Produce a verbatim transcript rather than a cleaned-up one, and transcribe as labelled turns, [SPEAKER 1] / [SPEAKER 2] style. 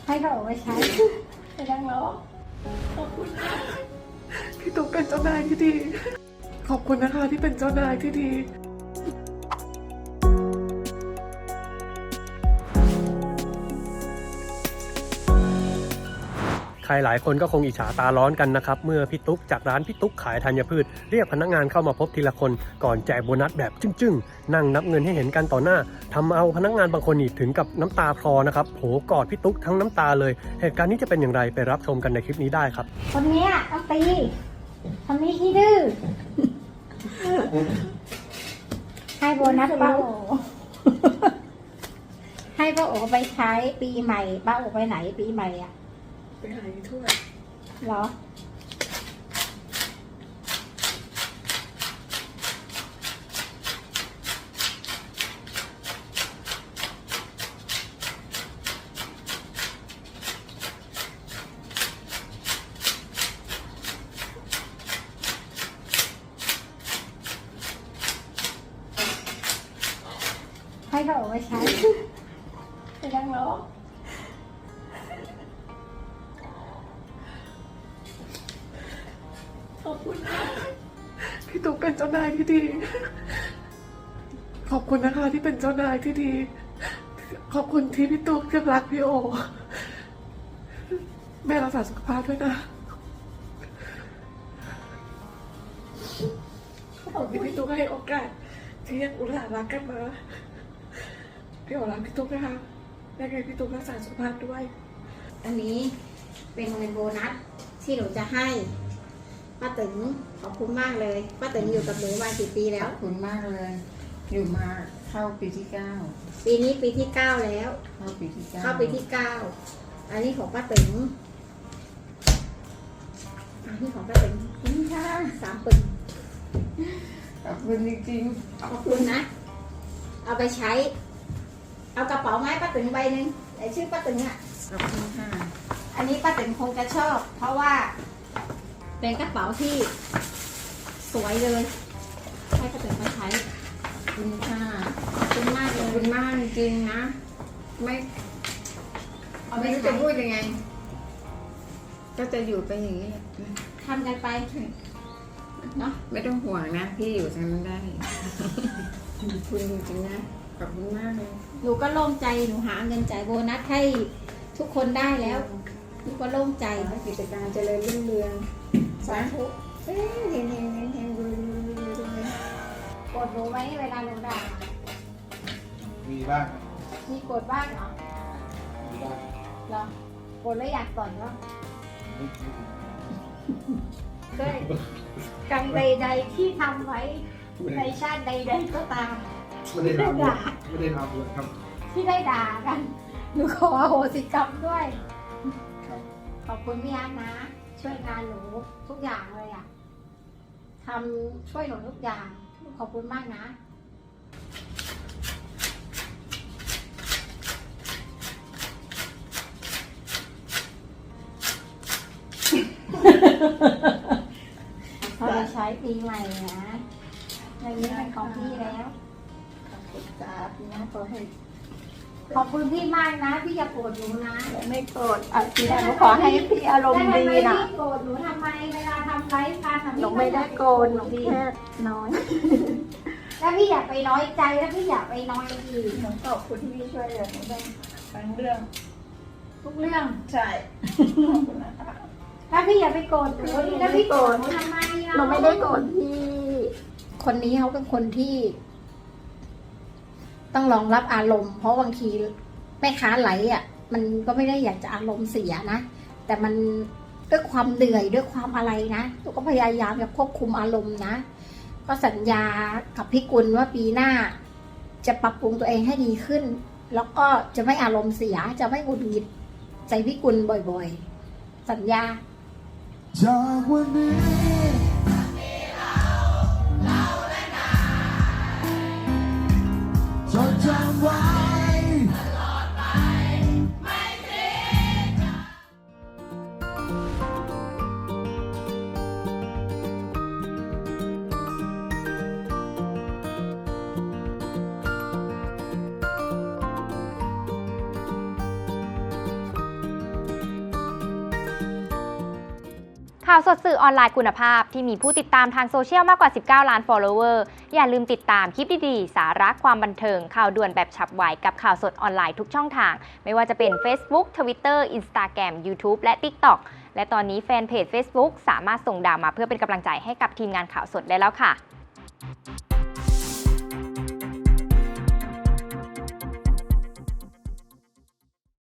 [SPEAKER 1] ให้เขาเอาไปใช้ไปนั่งรอ
[SPEAKER 2] ขอบคุณค่ะพี่ตุ๊กเป็นเจ้านายที่ดีขอบคุณนะคะที่เป็นเจ้านายที่ดี
[SPEAKER 3] ใครหลายคนก็คงอิจฉาตาร้อนกันนะครับเมื่อพี่ตุ๊กจากร้านพี่ตุ๊กขายธัญพืชเรียกพนักงานเข้ามาพบทีละคนก่อนแจกโบนัสแบบจึ้งๆนั่งนับเงินให้เห็นกันต่อหน้าทำเอาพนักงานบางคนนี่ถึงกับน้ำตาคลอนะครับโผกอดพี่ตุ๊กทั้งน้ำตาเลยเหตุการณ์นี้จะเป็นอย่างไรไปรับชมกันในคลิปนี้ได้ครับ
[SPEAKER 1] คนนี้ต้องตีคนนี้ขี้ดื้อให้โบนัสป้าโอให้ป้าโอไปใช้ปีใหม่ป้าโอไปไหนปีใหม่อ่ะ
[SPEAKER 2] ไปหาถ้วย
[SPEAKER 1] เหรอให้เขาเอาไปใช้ไปนั่งรอ
[SPEAKER 2] ขอบคุณค่ะพี่ตุ๊กเป็นเจ้านายที่ดีขอบคุณนะคะที่เป็นเจ้านายที่ดีขอบคุณที่พี่ตุ๊กยังรักพี่โอแม่รักษาสุขภาพด้วยนะขอบคุณที่พี่ตุ๊กให้โอกาสที่ยังอุตส่าห์รักกันมาพี่โอรักพี่ตุ๊กนะคะยังไงพี่ตุ๊กรักษาสุขภาพด้วย
[SPEAKER 1] อันนี้เป็นเงินโบนัสที่หนูจะให้ป้าตึงขอบคุณมากเลยป้าตึงอยู่กับหนูมากี่ปีแล้ว
[SPEAKER 4] ขอบคุณมากเลยอยู่มาเข้าปีที่เก้า
[SPEAKER 1] ปีนี้ปีที่เก้าแล้ว
[SPEAKER 4] เข้าปีที่เก้า
[SPEAKER 1] เข้าปีที่เก้าอันนี้ของป้าตึงอันนี้ของป้าตึงนี่ค่ะสามปึง
[SPEAKER 4] ขอบคุณจริง
[SPEAKER 1] ๆขอบคุณนะเอาไปใช้เอากระเป๋าไม้ป้าตึงใบหนึ่งไอชื่อป้าตึงอ่ะ
[SPEAKER 4] ขอบคุณค่ะ
[SPEAKER 1] อันนี้ป้าตึงคงจะชอบเพราะว่าเป็นกระเป๋าที่สวยเลยให้ป้าตึงไปใช้
[SPEAKER 4] ขอบคุณค่ะ
[SPEAKER 1] ขอบคุณมากเล
[SPEAKER 4] ขอบ
[SPEAKER 1] ย
[SPEAKER 4] คุณมากจริงๆนะไม่ไม่รู้จะพูดยังไงก็จะอยู่ไปอย่างนี้
[SPEAKER 1] ทำกันไปเนาะ
[SPEAKER 4] ไม่ต้องห่วงนะพี่อยู่ทางนั้นได้ขอบคุณจริงๆนะขอบคุณมากเลย
[SPEAKER 1] หนูก็โล่งใจหนูหาเงินจ่ายโบนัสให้ทุกคนได้แล้วหนูก็โล่งใจ
[SPEAKER 4] กิจการเจริญรุ่งเรือง
[SPEAKER 1] สาธุ
[SPEAKER 4] เฮ้ยเฮงเฮงเฮงเฮงรวยรวยรวยรวย
[SPEAKER 1] โกรธหนูไหมเวลาหนูด่า
[SPEAKER 5] มีบ้าง
[SPEAKER 1] มีโกรธบ้างเหรอ
[SPEAKER 5] มีบ้าง
[SPEAKER 1] เหรอโกรธแล้วอยากต่อยบ้างด้วยกรรมใดๆที่ทำไว้ในชาติใดๆก็ตาม
[SPEAKER 5] ไม่ได้ทำไม่ได้ทำเลยครับ
[SPEAKER 1] ที่ได้ด่ากันหนูขอโหสิกรรมด้วยขอบคุณพี่อาร์ตนะช่วยงานหนูทุกอย่างเลยอ่ะทำช่วยหนูทุกอย่างขอบคุณมากนะเขาจะใช้ปีใหม่นะในนี้เป็นของพี่แล้ว
[SPEAKER 4] ขอบคุณจ้าพี่นะขอให้
[SPEAKER 1] ขอบคุณพี่มากนะพี่อย่าโกรธหนูนะ
[SPEAKER 4] ไม่โกรธอ่ะพี่หนูขอให้พี่อารมณ์ดีนะ
[SPEAKER 1] พี่โกรธหนูทำไมเวลาทำไลฟ์การทำ
[SPEAKER 4] หนูไม่ได้โกรธหนูแค่น้อย
[SPEAKER 1] แล้วพี่อย่าไปน้อยใจแล้วพี่อย่าไปน้อยอีก
[SPEAKER 4] หนูขอบคุณที่พี่ช่วยเหลือหนูได้ทั้งเรื่อง
[SPEAKER 1] ทุกเรื่อง
[SPEAKER 4] ใช่ขอบคุณนะคะ
[SPEAKER 1] แล้วพี่อย่าไปโกรธหนูแล้วพี่โกรธหนูทำไม
[SPEAKER 4] หนูไม่ได้โกรธพี่
[SPEAKER 1] คนนี้เขาเป็นคนที่ต้องรองรับอารมณ์เพราะบางทีแม่ค้าไหลอ่ะมันก็ไม่ได้อยากจะอารมณ์เสียนะแต่มันด้วยความเหนื่อยด้วยความอะไรนะตัวก็พยายามจะควบคุมอารมณ์นะก็สัญญากับพี่กุลว่าปีหน้าจะปรับปรุงตัวเองให้ดีขึ้นแล้วก็จะไม่อารมณ์เสียจะไม่หงุดหงิดใจพี่กุลบ่อยๆสัญญา
[SPEAKER 5] จากวันนี้จดจำไว้
[SPEAKER 6] ข่าวสดสื่อออนไลน์คุณภาพที่มีผู้ติดตามทางโซเชียลมากกว่าสิบเก้าล้าน follower อย่าลืมติดตามคลิปดีๆสาระความบันเทิงข่าวด่วนแบบฉับไวกับข่าวสดออนไลน์ทุกช่องทางไม่ว่าจะเป็น Facebook Twitter Instagram YouTube และ TikTok และตอนนี้แฟนเพจ Facebook สามารถส่งดาวมาเพื่อเป็นกำลังใจให้กับทีมงานข่าวสดได้แล้วค่ะ